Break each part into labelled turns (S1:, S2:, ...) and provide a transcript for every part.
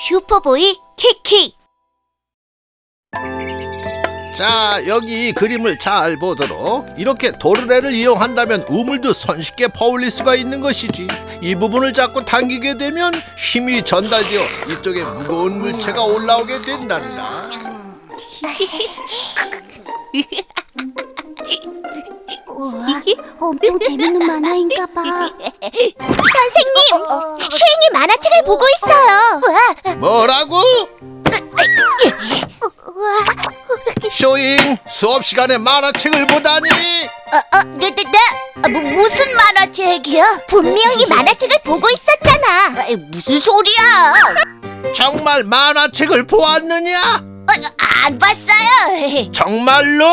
S1: 슈퍼보이 키키.
S2: 자, 여기 이 그림을 잘 보도록. 이렇게 도르래를 이용한다면 우물도 손쉽게 퍼올릴 수가 있는 것이지. 이 부분을 잡고 당기게 되면 힘이 전달되어 이쪽에 무거운 물체가 올라오게 된단다.
S1: 우와, 엄청 재밌는 만화인가봐.
S3: 선생님, 슈잉이 만화책을 보고 있어요.
S2: 뭐라고? 쇼잉, 수업 시간에 만화책을 보다니.
S1: 무슨 만화책이야?
S3: 분명히 만화책을 보고 있었잖아.
S1: 무슨 소리야?
S2: 정말 만화책을 보았느냐?
S1: 안 봤어요.
S2: 정말로?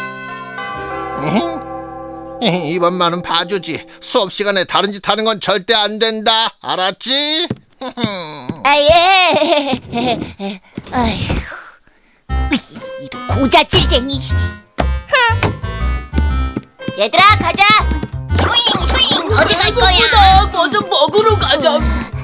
S2: 이번만은 봐주지. 수업 시간에 다른 짓 하는 건 절대 안 된다. 알았지?
S1: 예. 아휴, 이런 고자질쟁이. 얘들아, 가자. 슈잉, 어디 갈 거야?
S4: 먼저 먹으러 가자.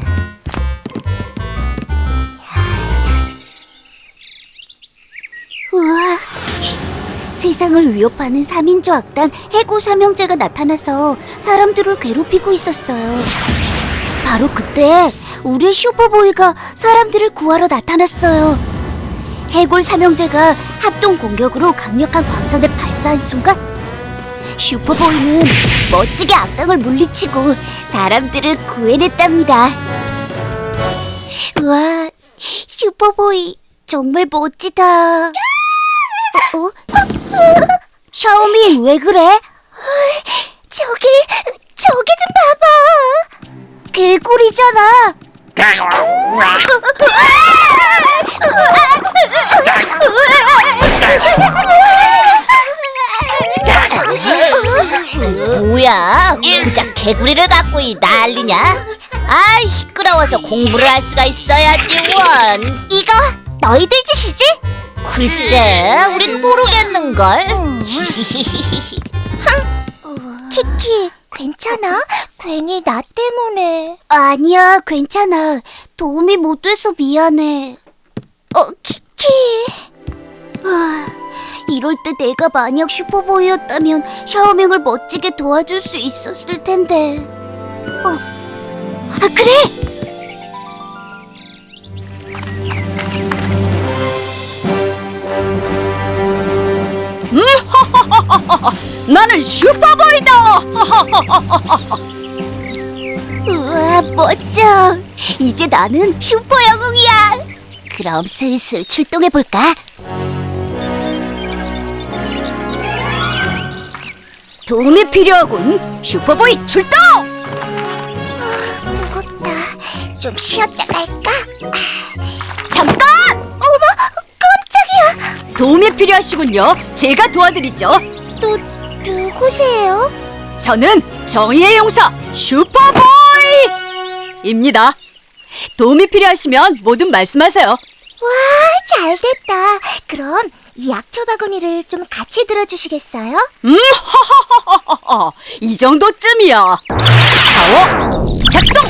S1: 우와, 세상을 위협하는 3인조 악당 해고 삼형제가 나타나서 사람들을 괴롭히고 있었어요. 바로 그때 우리 슈퍼보이가 사람들을 구하러 나타났어요. 해골 삼형제가 합동 공격으로 강력한 광선을 발사한 순간 슈퍼보이는 멋지게 악당을 물리치고 사람들을 구해냈답니다. 우와, 슈퍼보이 정말 멋지다. 샤오민, 왜 그래? 저기 좀 봐봐. 개구리잖아. 뭐야? 고작 개구리를 갖고 난리냐? 아이, 시끄러워서 공부를 할 수가 있어야지. 원, 이거 너희들 짓이지? 글쎄, 우린 모르겠는걸.
S3: 키키, 괜찮아? 괜히 나 때문에.
S1: 아니야, 괜찮아. 도움이 못 돼서 미안해.
S3: 키키.
S1: 이럴 때 내가 만약 슈퍼보이였다면 샤오밍을 멋지게 도와줄 수 있었을 텐데. 그래!
S4: 나는 슈퍼보이다.
S1: 우와, 멋져. 이제 나는 슈퍼 영웅이야. 그럼 슬슬 출동해볼까? 도움이 필요하군. 슈퍼보이 출동!
S3: 무겁다. 좀 쉬었다 갈까?
S1: 잠깐!
S3: 어머, 깜짝이야.
S4: 도움이 필요하시군요. 제가 도와드리죠.
S3: 누구세요?
S4: 저는 정의의 용사 슈퍼보이입니다. 도움이 필요하시면 뭐든 말씀하세요.
S3: 와, 잘됐다. 그럼 이 약초 바구니를 좀 같이 들어주시겠어요?
S4: 이 정도쯤이야. 파워 작동!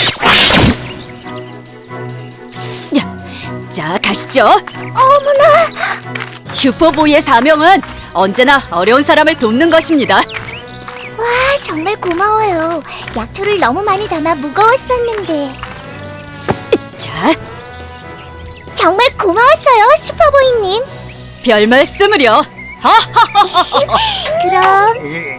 S4: 자, 가시죠.
S3: 어머나.
S4: 슈퍼보이의 사명은 언제나 어려운 사람을 돕는 것입니다.
S3: 와, 정말 고마워요. 약초를 너무 많이 담아 무거웠었는데.
S4: 자,
S3: 정말 고마웠어요, 슈퍼보이님.
S4: 별 말씀을요.
S3: 그럼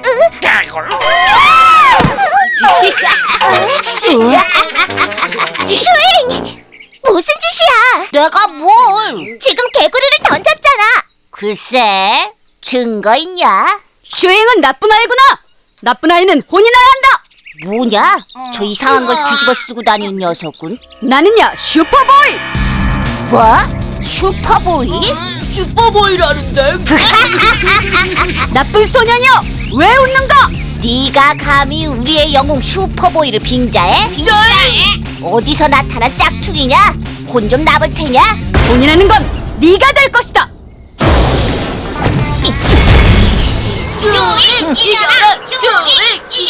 S3: 슈잉! 무슨 짓이야?
S1: 내가 뭘?
S3: 지금 개구리를 던졌잖아.
S1: 글쎄, 증거 있냐?
S4: 슈잉은 나쁜 아이구나. 나쁜 아이는 혼이 나야 한다.
S1: 뭐냐? 저 이상한 걸 뒤집어 쓰고 다니는 녀석은?
S4: 나는야 슈퍼보이.
S1: 뭐? 슈퍼보이?
S4: 슈퍼보이라는데. 나쁜 소년이여, 왜 웃는가?
S1: 네가 감히 우리의 영웅 슈퍼보이를 빙자해? 어디서 나타난 짝퉁이냐? 혼 좀 나볼 테냐?
S4: 본인하는 건 네가 될 것이다.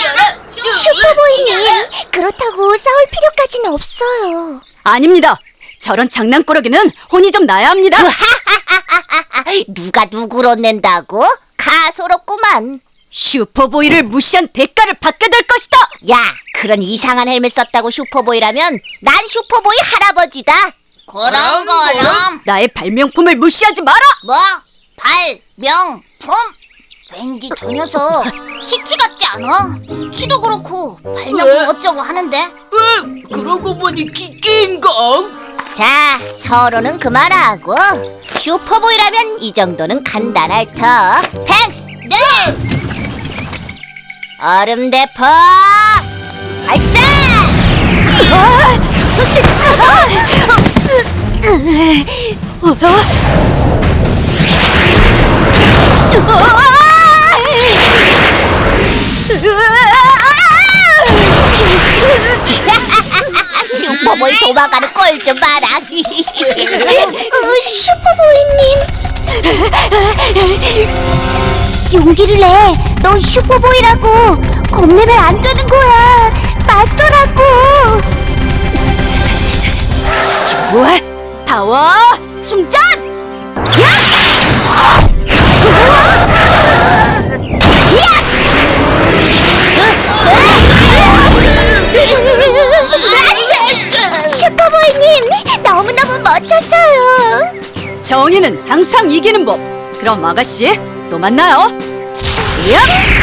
S3: 슈퍼보이님, 그렇다고 싸울 필요까지는 없어요.
S4: 아닙니다. 저런 장난꾸러기는 혼이 좀 나야 합니다.
S1: 누가 누구를 혼낸다고? 가소롭구만.
S4: 슈퍼보이를 무시한 대가를 받게 될 것이다.
S1: 야, 그런 이상한 헬멧 썼다고 슈퍼보이라면 난 슈퍼보이 할아버지다. 그럼.
S4: 나의 발명품을 무시하지 마라.
S1: 뭐? 발명품? 왠지 저 녀석 키키 같지 않아? 키도 그렇고 발명품 어쩌고 하는데?
S4: 그러고 보니 키키인가?
S1: 자, 서로는 그만하고 슈퍼보이라면 이 정도는 간단할 터. 팽스! 네! 얼음 대포! 발사! 슈퍼보이 도망가는 꼴 좀 봐라.
S3: 슈퍼보이님. 용기를 내. 넌 슈퍼보이라고. 겁내면 안 되는 거야. 맞서라고.
S4: 좋아, 파워 충전!
S3: 슈퍼보이님, 너무너무 멋졌어요.
S4: 정의는 항상 이기는 법. 그럼 아가씨, 또 만나요. 야!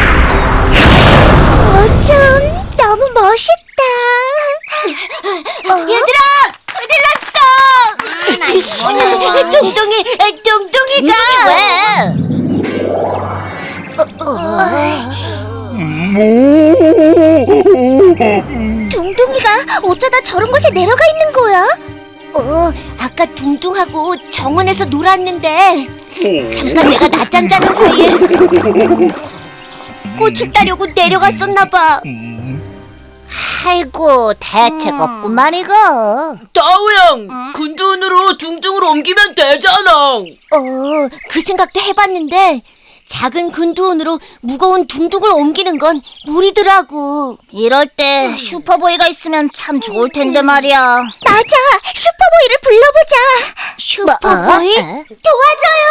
S3: 어쩜 너무 멋있다. 얘들아, 큰일 났어. 둥둥이가 둥둥이가 어쩌다 저런 곳에 내려가 있는 거야? 아까 둥둥하고 정원에서 놀았는데 잠깐 내가 낮잠 자는 사이에 꽃을 따려고 내려갔었나 봐.
S1: 아이고, 대책 없구만 이거.
S4: 다우양, 군두운으로 둥둥으로 옮기면 되잖아.
S3: 그 생각도 해봤는데 작은 근두운으로 무거운 둥둥을 옮기는 건 무리더라고.
S1: 이럴 때 슈퍼보이가 있으면 참 좋을 텐데 말이야.
S3: 맞아, 슈퍼보이를 불러보자. 슈퍼보이? 도와줘요,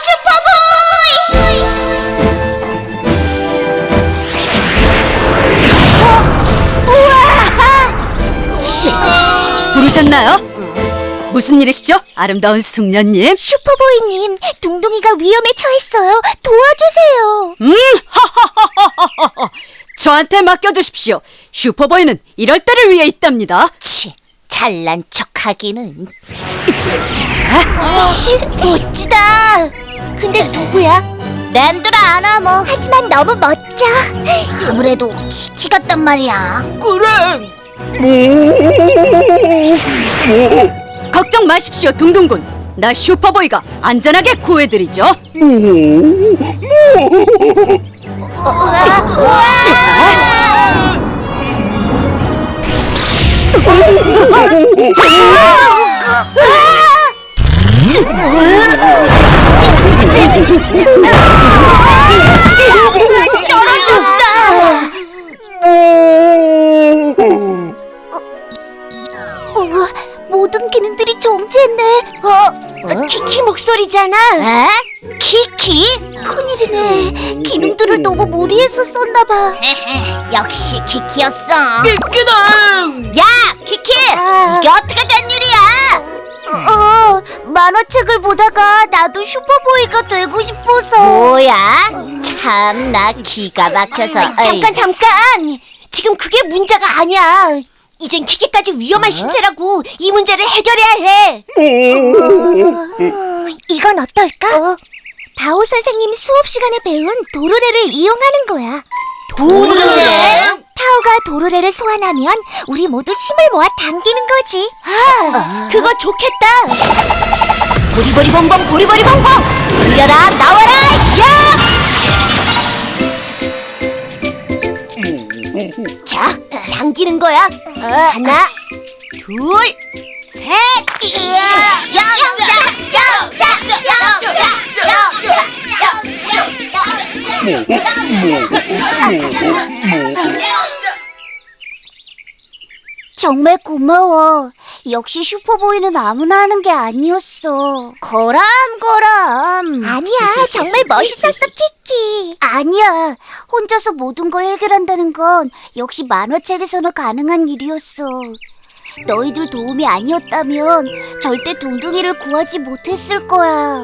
S3: 슈퍼보이!
S4: 부르셨나요? 무슨 일이시죠? 아름다운 숙녀님.
S3: 슈퍼보이님, 둥둥이가 위험에 처했어요. 도와주세요.
S4: 저한테 맡겨주십시오. 슈퍼보이는 이럴 때를 위해 있답니다.
S1: 치, 잘난 척하기는.
S3: 멋지다. 근데 누구야?
S1: 랜드라 아나 뭐.
S3: 하지만 너무 멋져.
S1: 아무래도 키키 같단 말이야.
S4: 그래. 걱정 마십시오, 둥둥군. 나 슈퍼보이가 안전하게 구해드리죠.
S3: 모든 기능들이 정지했네. 키키 목소리잖아.
S1: 에? 키키?
S3: 큰일이네. 기능들을 너무 무리해서 썼나봐.
S1: 역시 키키였어.
S4: 끼끼당!
S1: 야, 키키! 이게 어떻게 된 일이야?
S3: 만화책을 보다가 나도 슈퍼보이가 되고 싶어서.
S1: 뭐야? 참나 기가 막혀서.
S3: 잠깐. 지금 그게 문제가 아니야. 이젠 키키까지 위험한 신세라고. 이 문제를 해결해야 해. 이건 어떨까? 바오 선생님 수업 시간에 배운 도르래를 이용하는 거야.
S1: 도르래?
S3: 타오가 도르래를 소환하면 우리 모두 힘을 모아 당기는 거지. 그거 좋겠다.
S1: 보리보리 봉봉 보리보리 봉봉! 울려라 나와라 야!
S3: 자, 당기는 거야. 하나, 둘, 셋. 정말 고마워. 역시 슈퍼보이는 아무나 하는 게 아니었어. 거람. 아니야, 정말 멋있었어, 키키. 아니야, 혼자서 모든 걸 해결한다는 건 역시 만화책에서나 가능한 일이었어. 너희들 도움이 아니었다면 절대 둥둥이를 구하지 못했을 거야.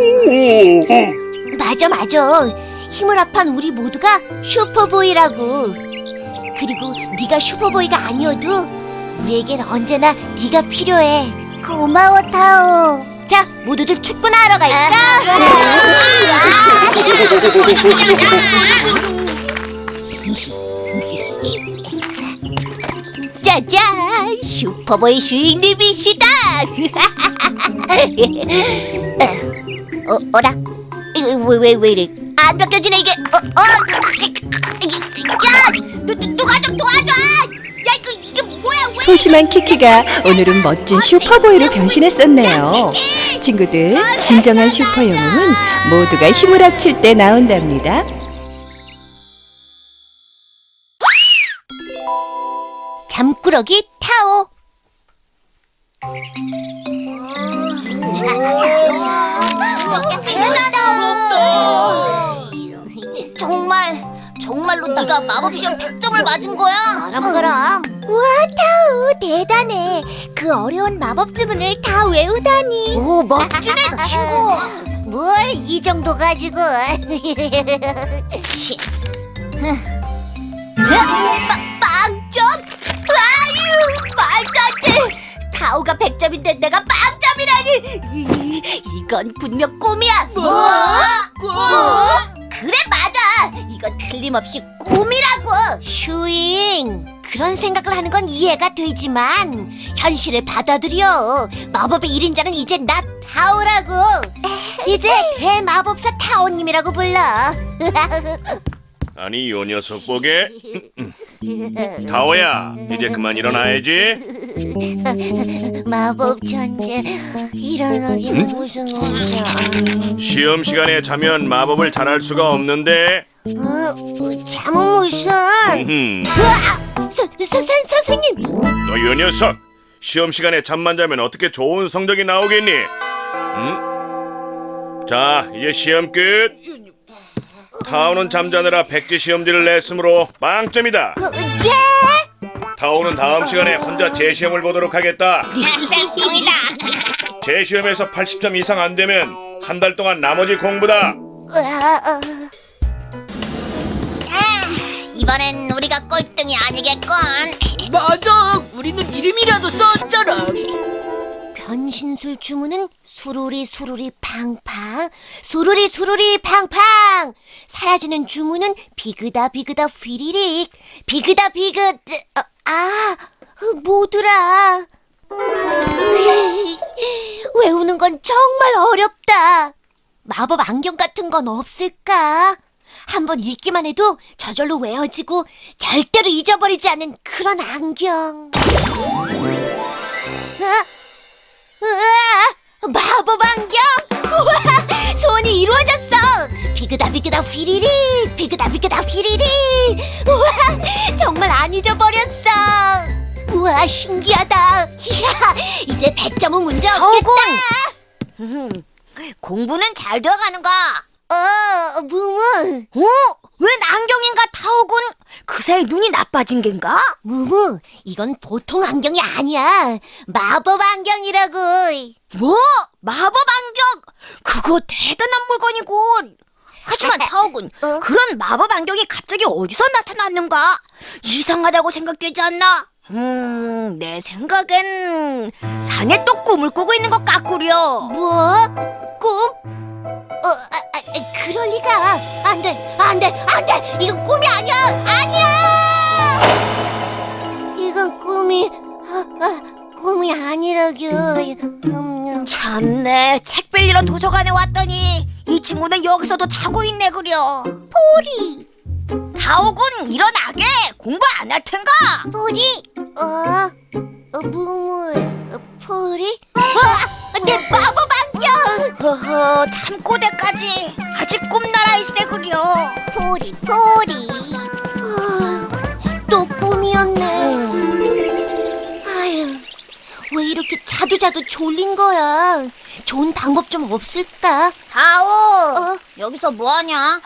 S3: 맞아. 힘을 합한 우리 모두가 슈퍼보이라고. 그리고 네가 슈퍼보이가 아니어도 우리에겐 언제나 네가 필요해. 고마워, 타오. 자, 모두들 축구나 하러 갈까? 짜잔, 슈퍼보이 슈잉리비시다. 어라? 이거 왜 이래? 안 벗겨지네 이게. 야, 누가 좀 도와줘. 야, 이게 뭐야? 왜?
S5: 소심한 키키가 오늘은 멋진 슈퍼보이로 변신했었네요. 친구들, 진정한 슈퍼 영웅은 모두가 힘을 합칠 때 나온답니다.
S3: 잠꾸러기 타오.
S1: 정말로 네가 마법 시험 100점을 맞은 거야?
S3: 그럼. 우와, 타오 대단해. 그 어려운 마법 주문을 다 외우다니. 오, 멋지네, 친구. 뭘 이 정도 가지고.
S1: 치.
S3: 빵점? 아유, 말도 안 돼. 타오가 100점인데 내가 빵점이라니. 이건 분명 꿈이야.
S1: 뭐?
S3: 꿈? 그래, 맞아. 이건 틀림없이 꿈이라고. 슈잉, 그런 생각을 하는 건 이해가 되지만 현실을 받아들여. 마법의 1인자는 이제 나 타오라고. 이제 대마법사 타오님이라고 불러.
S6: 아니 요 녀석 보게. 타오야, 이제 그만 일어나야지.
S3: 마법 천재, 일어나기 무슨 일이야.
S6: 시험 시간에 자면 마법을 잘할 수가 없는데.
S3: 잠은 무슨? 선생님.
S6: 너 요 녀석, 시험 시간에 잠만 자면 어떻게 좋은 성적이 나오겠니? 응? 자, 이제 시험 끝. 타오는 잠자느라 백지 시험지를 냈으므로 빵점이다.
S3: 네?
S6: 타오는 다음 시간에 혼자 재시험을 보도록 하겠다.
S1: 땡이다.
S6: 재시험에서 80점 이상 안 되면 한 달 동안 나머지 공부다.
S1: 이번엔 우리가 꼴등이 아니겠건.
S4: 맞아, 우리는 이름이라도 썼잖아.
S3: 변신술 주문은 수루리 팡팡, 수루리 팡팡. 사라지는 주문은 비그다 휘리릭, 비그다 뭐더라. 외우는 건 정말 어렵다. 마법 안경 같은 건 없을까? 한번 읽기만 해도 저절로 외워지고 절대로 잊어버리지 않는 그런 안경. 우와, 마법 안경! 우와, 소원이 이루어졌어! 비그다 휘리리, 비그다 휘리리. 우와, 정말 안 잊어버렸어. 우와, 신기하다. 이야, 이제 100점은 문제 없겠다. 공부는 잘 되어가는가? 무무. 웬 안경인가, 타오군? 그 사이 눈이 나빠진 겐가? 무무, 이건 보통 안경이 아니야. 마법 안경이라고. 뭐? 마법 안경? 그거 대단한 물건이군. 하지만 타오군, 그런 마법 안경이 갑자기 어디서 나타났는가? 이상하다고 생각되지 않나? 내 생각엔 자네 또 꿈을 꾸고 있는 것 같구려. 뭐? 꿈? 그럴 리가. 안 돼. 이건 꿈이 아니야. 이건 꿈이 아니라규. 참네, 책 빌리러 도서관에 왔더니 이 친구는 여기서도 자고 있네 그려. 포리. 다오군, 일어나게. 공부 안 할 텐가? 포리. 무무. 포리? 내 마법 안경! 허허, 잠꼬대까지. 아직 꿈나라 있으네 그려. 포리. 또 꿈이었네. 왜 이렇게 자두자두 졸린 거야? 좋은 방법 좀 없을까?
S1: 다오, 여기서 뭐하냐?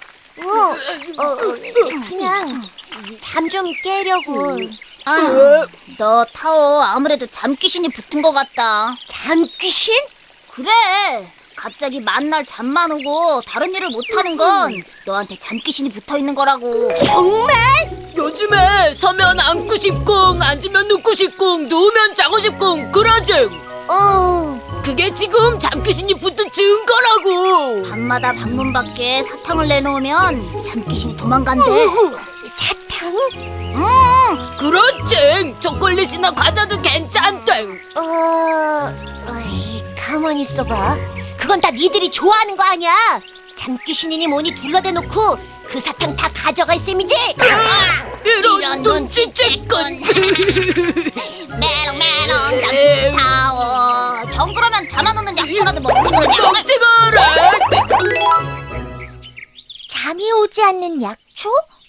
S3: 그냥 잠 좀 깨려고.
S1: 너 타오 아무래도 잠귀신이 붙은 것 같다.
S3: 잠귀신?
S1: 그래, 갑자기 만날 잠만 오고 다른 일을 못하는 건 너한테 잠귀신이 붙어있는 거라고.
S3: 정말?
S4: 요즘에 서면 앉고 싶고 앉으면 눕고 싶고 누우면 자고 싶고 그러지. 그게 지금 잠귀신이 붙은 증거라고.
S1: 밤마다 방문 밖에 사탕을 내놓으면 잠귀신이 도망간대.
S3: 사탕?
S4: 그렇지. 초콜릿이나 과자도 괜찮대.
S3: 가만히 있어봐. 그건 다 니들이 좋아하는 거 아니야? 잠귀신이니 뭐니 둘러대놓고 그 사탕 다 가져갈 셈이지?
S4: 이런 눈치채건.
S1: 메롱메롱 잠귀신 타오. 정그러면 잠 안 오는 약초라도 먹지 그러냐?
S4: 먹지 그래.
S3: 잠이 오지 않는 약초?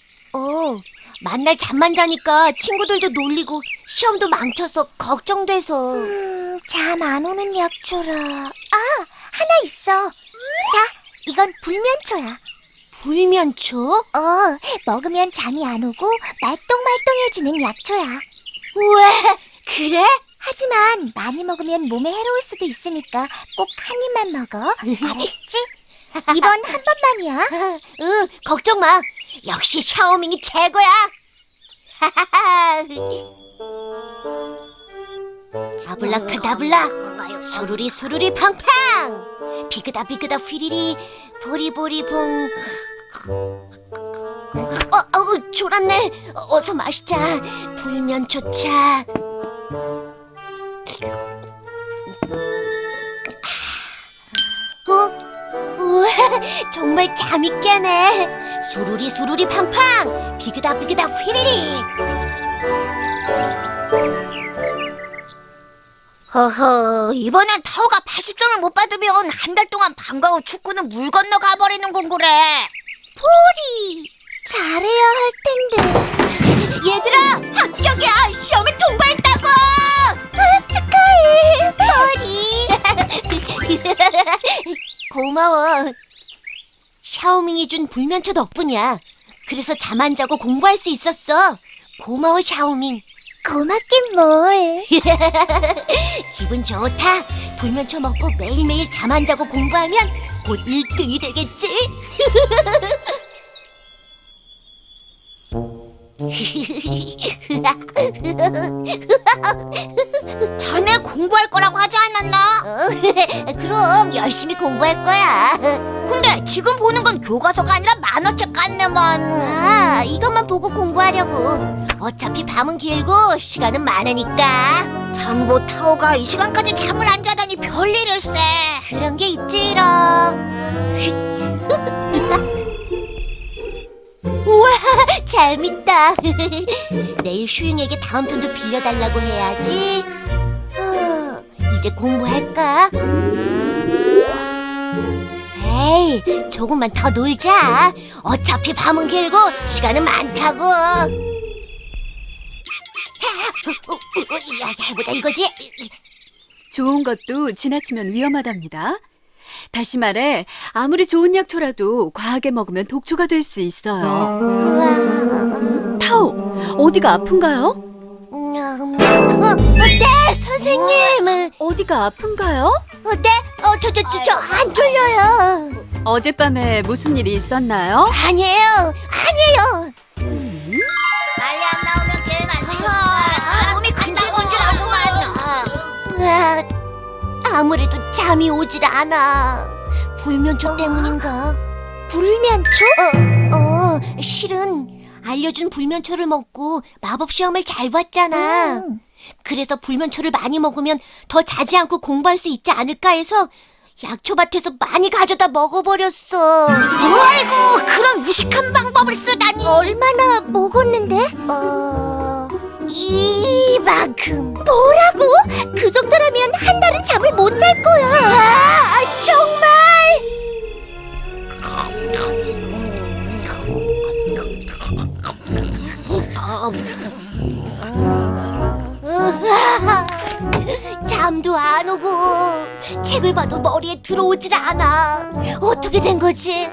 S3: 만날 잠만 자니까 친구들도 놀리고 시험도 망쳐서 걱정돼서. 잠 안 오는 약초라. 하나 있어. 자, 이건 불면초야. 불면초? 먹으면 잠이 안 오고 말똥말똥해지는 약초야. 왜? 그래? 하지만 많이 먹으면 몸에 해로울 수도 있으니까 꼭 한 입만 먹어. 알았지? 이번 한 번만이야. 걱정 마. 역시 샤오밍이 최고야. 아블라카다블라, 수루리 수루리 팡팡, 비그다 비그다 휘리리, 보리보리 봉. 졸았네. 어서 마시자. 불면초차. 우와, 정말 잠이 깨네. 수루리 수루리 팡팡, 비그다 비그다 휘리리. 허허, 이번엔 타오가 80점을 못 받으면 한 달 동안 방과 후 축구는 물 건너 가버리는 건 그래. 포리, 잘해야 할 텐데. 얘들아, 합격이야. 시험에 통과했다고. 축하해, 포리. 고마워. 샤오밍이 준 불면초 덕분이야. 그래서 잠 안 자고 공부할 수 있었어. 고마워, 샤오밍. 고맙긴 뭘. 기분 좋다. 불면초 먹고 매일매일 잠 안 자고 공부하면 곧 1등이 되겠지? 자네 공부할 거라고 하지 않았나? 그럼 열심히 공부할 거야. 근데 지금 보는 건 교과서가 아니라 만화책 같네만. 이것만 보고 공부하려고. 어차피 밤은 길고 시간은 많으니까. 장보 타오가 이 시간까지 잠을 안 자다니 별일일세. 그런 게 있지롱. 우와, 재밌다. 내일 슈잉에게 다음 편도 빌려달라고 해야지. 이제 공부할까? 에이, 조금만 더 놀자. 어차피 밤은 길고 시간은 많다고. 해보자 이거지.
S5: 좋은 것도 지나치면 위험하답니다. 다시 말해, 아무리 좋은 약초라도 과하게 먹으면 독초가 될 수 있어요. 타오, 어디가 아픈가요?
S3: 네, 선생님.
S5: 어디가 아픈가요?
S3: 네? 저 안 졸려요.
S5: 어젯밤에 무슨 일이 있었나요?
S3: 아니에요.
S1: 빨리 안 나오면 게임 안 시켜. 몸이 근질근질하구만.
S3: 아무래도 잠이 오질 않아. 불면초 때문인가? 불면초? 실은 알려준 불면초를 먹고 마법 시험을 잘 봤잖아. 그래서 불면초를 많이 먹으면 더 자지 않고 공부할 수 있지 않을까 해서 약초밭에서 많이 가져다 먹어버렸어. 아이고, 그런 무식한 방법을 쓰다니. 얼마나 먹었는데? 이만큼. 뭐라고? 그 정도라면 한 달은 잠을 못 잘 거야. 정말? 잠도 안 오고 책을 봐도 머리에 들어오질 않아. 어떻게 된 거지?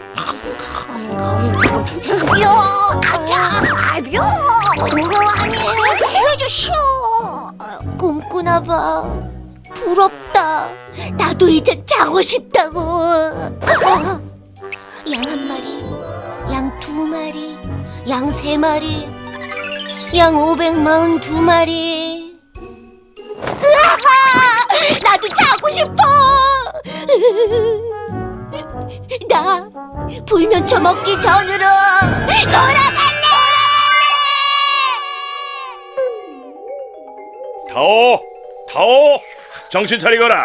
S3: 요, 아차, 요, 아니에요. 살려주시오. 꿈꾸나 봐. 부럽다. 나도 이제 자고 싶다고. 양 한 마리, 양 두 마리, 양 세 마리, 양 542마리. 으아! 나도 자고 싶어. 나 불면초 먹기 전으로 돌아갈래.
S6: 타오, 정신 차리거라.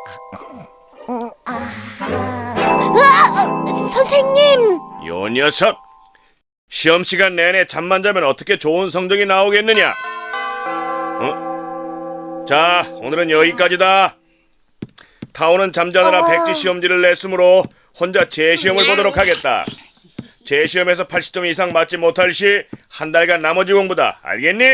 S3: 선생님.
S6: 요 녀석, 시험 시간 내내 잠만 자면 어떻게 좋은 성적이 나오겠느냐? 자, 오늘은 여기까지다. 타오는 잠자느라 백지 시험지를 냈으므로 혼자 재시험을 보도록 하겠다. 재시험에서 80점 이상 맞지 못할 시 한 달간 나머지 공부다. 알겠니?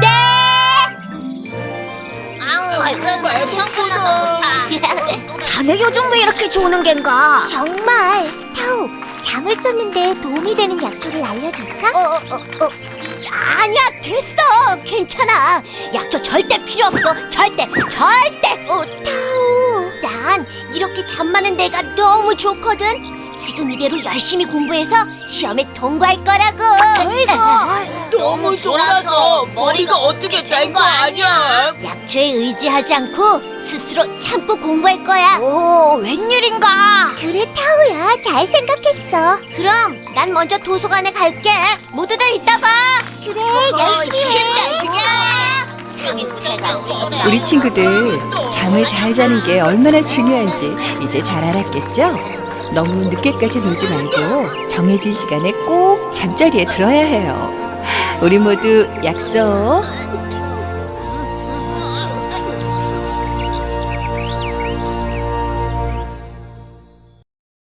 S1: 아우, 그래도 시험 끝나서 좋다.
S3: 자네 요즘 왜 이렇게 조는 겐가?
S1: 정말 타오, 잠을 쫓는데 도움이 되는 약초를 알려줄까?
S3: 아니야, 됐어. 괜찮아. 약초 절대 필요 없어. 절대.
S1: 타오.
S3: 난 이렇게 잠 많은 내가 너무 좋거든. 지금 이대로 열심히 공부해서 시험에 통과할 거라고.
S4: 너무 졸아서 머리가 어떻게 된 거 아니야?
S3: 약초에 의지하지 않고 스스로 참고 공부할 거야. 오, 웬일인가?
S1: 그래, 타오야. 잘 생각했어.
S3: 그럼 난 먼저 도서관에 갈게. 모두들 이따 봐.
S1: 그래, 열심히 해. 힘내시냐?
S5: 우리 친구들 잠을 잘 자는 게 얼마나 중요한지 이제 잘 알았겠죠? 너무 늦게까지 놀지 말고 정해진 시간에 꼭 잠자리에 들어야 해요. 우리 모두 약속.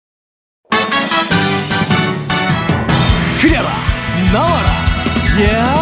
S7: 그려라 나와라 야